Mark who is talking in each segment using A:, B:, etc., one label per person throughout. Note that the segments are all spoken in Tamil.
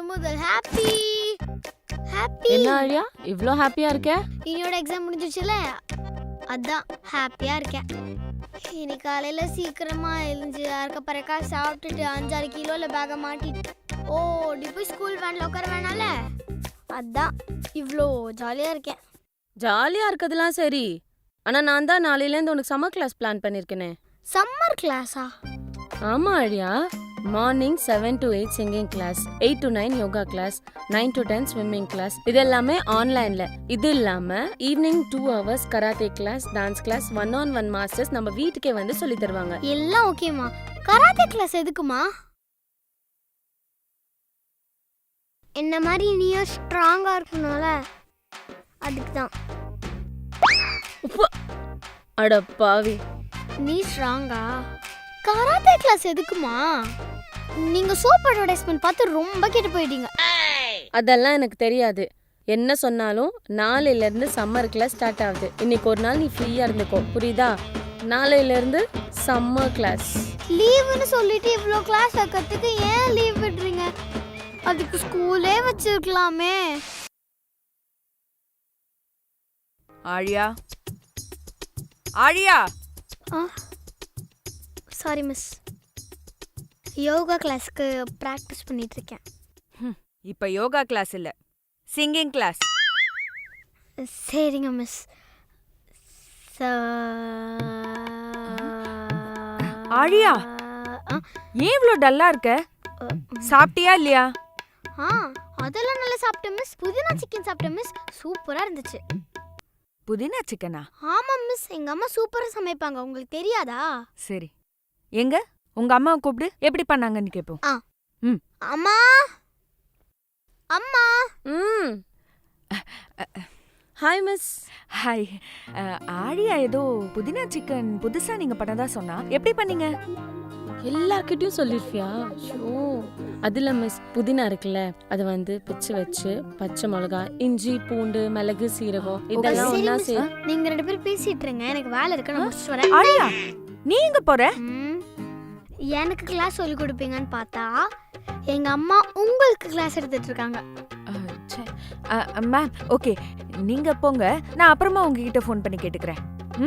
A: முதல் ஹாப்பி ஹாப்பி.
B: என்ன ஆழியா இவ்ளோ ஹாப்பியா இருக்க?
A: என்னோட எக்ஸாம் முடிஞ்சிச்சுல, அதான் ஹாப்பியா இருக்கேன். இன்னைக்கு காலையில சீக்கிரமா எழுந்து அரைக்க பறக்கா சாப்பிட்டுட்டு 5-6 கிலோல பேக மாட்டிட்டு ஓடி போய் ஸ்கூல் வேன்ல உட்கார வேணால, அதான் இவ்வளோ ஜாலியா இருக்கேன்.
B: ஜாலியா இருக்கதெல்லாம் சரி, ஆனா நான் தான் நாளையிலேருந்து உனக்கு சம்மர் கிளாஸ் பிளான் பண்ணிருக்கேனே.
A: சம்மர் கிளாஸா?
B: ஆமா Azhiya, morning 7 to 8 singing class, 8 to 9 yoga class, 9 to 10 swimming class. இது எல்லாமே ஆன்லைன்ல. இது இல்லாம evening 2 hours karate class, dance class, 1-on-1 masters நம்ம வீட்டுக்கே வந்து சொல்லி தருவாங்க.
A: எல்லாம் ஓகேமா. கராத்தே கிளாஸ் எதுக்குமா? என்ன மாதிரி நீயும் ஸ்ட்ராங்கா இருக்கணும்ல, அதுக்கு தான்.
B: அட பாவி,
A: நீ ஸ்ட்ராங்கா? கராத்தே கிளாஸ் எதுக்குமா? நீங்க சோப் அட்வர்டைஸ்மென்ட் பார்த்து ரொம்ப கெட்டு போயிட்டீங்க.
B: அதெல்லாம் எனக்கு தெரியாது. என்ன சொன்னாலும் நாளையில இருந்து சம்மர் கிளாஸ் ஸ்டார்ட் ஆகுது. இன்னைக்கு ஒரு நாள் நீ ஃப்ரீயா இருந்துக்கோ, புரியுதா? நாளையில இருந்து சம்மர் கிளாஸ்.
A: லீவுன்னு சொல்லிட்டு இவ்ளோ கிளாஸ் வைக்கிறதுக்கு ஏன் லீவ் விடுறீங்க? அதுக்கு ஸ்கூலே வச்சிருக்கலாமே.
C: ஆழியா, ஆழியா.
A: சாரி மிஸ், யோகா கிளாஸ்க்கு ப்ராக்டிஸ் பண்ணிட்டு இருக்கேன்.
C: இப்ப யோகா கிளாஸ் இல்ல, சிங்கிங் கிளாஸ்.
A: சரிங்க மிஸ்.
C: ஆழியா, ஏன் இவ்ளோ டல்லா இருக்க? சாப்பிட்டியா இல்லையா?
A: அதெல்லாம் நல்லா சாப்பிட்டேன் மிஸ். புதினா சிக்கன் சாப்பிட்டேன் மிஸ், சூப்பரா இருந்துச்சு.
C: புதினா சிக்கனா?
A: ஆமா மிஸ், எங்க அம்மா சூப்பரா சமைப்பாங்க, உங்களுக்கு தெரியாதா?
C: சரி, எங்க உங்க அம்மாவை கூப்பிடு, எப்படி பண்ணாங்கன்னு கேப்போம்.
A: அம்மா அம்மா.
B: Hi miss.
C: ஹாய். ஆழியா ஏதோ புதினா சிக்கன் புதுசா நீங்க பண்ணதா சொன்னா, எப்படி பண்ணீங்க?
B: எல்லார்கிட்டயும் சொல்லிருப்பியா? ஷோ, அதுல மிஸ் புதினா இருக்குல்ல, அது வந்து பிச்சு வச்சு பச்சை மிளகா, இஞ்சி, பூண்டு, மிளகு, சீரகம் இதெல்லாம் ஒண்ணா
A: நீங்க 2 பேரும் பேசிட்டு இருங்க, எனக்கு வேலை இருக்கு, நான் முடிச்சிட்டு வரேன்.
C: ஆழியா, நீ எங்க போற?
A: எனக்கு கிளாஸ் சொல்லி கொடுப்பீங்கன்னு பார்த்தா எங்க அம்மா உங்களுக்கு கிளாஸ் எடுத்துட்டு இருக்காங்க.
C: மேம், ஓகே, நீங்க போங்க, நான் அப்புறமா உங்ககிட்ட ஃபோன் பண்ணி கேட்டுக்கிறேன்.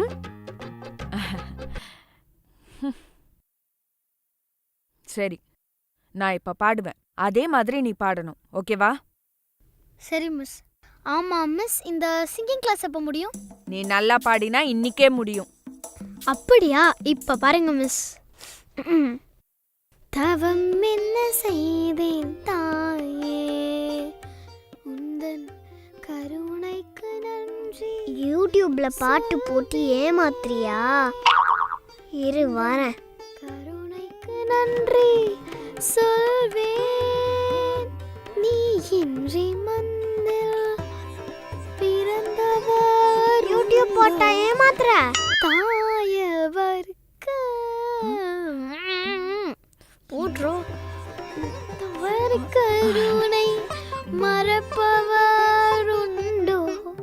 C: சரி, நான் இப்ப பாடுவேன், அதே மாதிரி நீ பாடணும், ஓகேவா?
A: சரி மிஸ். ஆமா மிஸ், இந்த சிங்கிங் கிளாஸ் எப்ப முடியும்?
C: நீ நல்லா பாடினா இன்னிக்கே முடியும்.
A: அப்படியா? இப்ப பாருங்க மிஸ். தவம் என்ன செய்தேன் தாயே, உந்தன் கருணைக்கு நன்றி. யூடியூப்ல பாட்டு போட்டு ஏமாத்துறியா? இரு வரேன். கருணைக்கு நன்றி சொல்வேன், நீ இன்றி மண்ணில் பிறந்தவர். யூடியூப் போட்டா ஏமாத்துற? தாயவருக்கு போட்றோம். தவறு கருணை மறப்பவர் உண்டோ?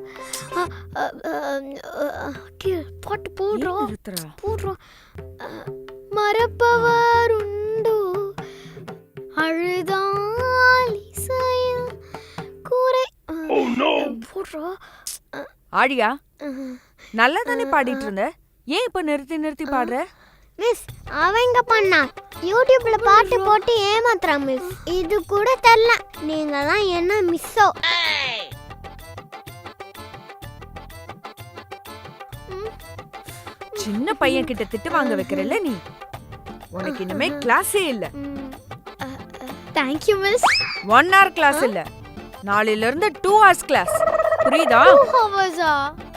A: பாட்டு போடுறோம் போடுறோம். மறப்பவர் உண்டோ? அழுதால் இசையில் கூரை போடுறோம்.
C: ஆழியா, நல்லா தானே பாடிட்டு இருந்த, ஏன் இப்ப நிறுத்தி நிறுத்தி பாடுற?
A: மிஸ், அவங்க பண்ணா யூடியூப்ல பாட்டு போட்டு ஏமாத்துறான் மிஸ். இது கூட தெரியல, நீங்க தான் என்ன மிஸ்ஸோ.
C: சின்ன பையன் கிட்ட திட்டு வாங்க வைக்கிறல்ல நீ, உனக்கு இனிமே கிளாஸே இல்ல.
A: Thank you miss.
C: 1 hour கிளாஸ் இல்ல, நாளையில இருந்து 2 hours கிளாஸ், புரியுதா?
A: 2 hours.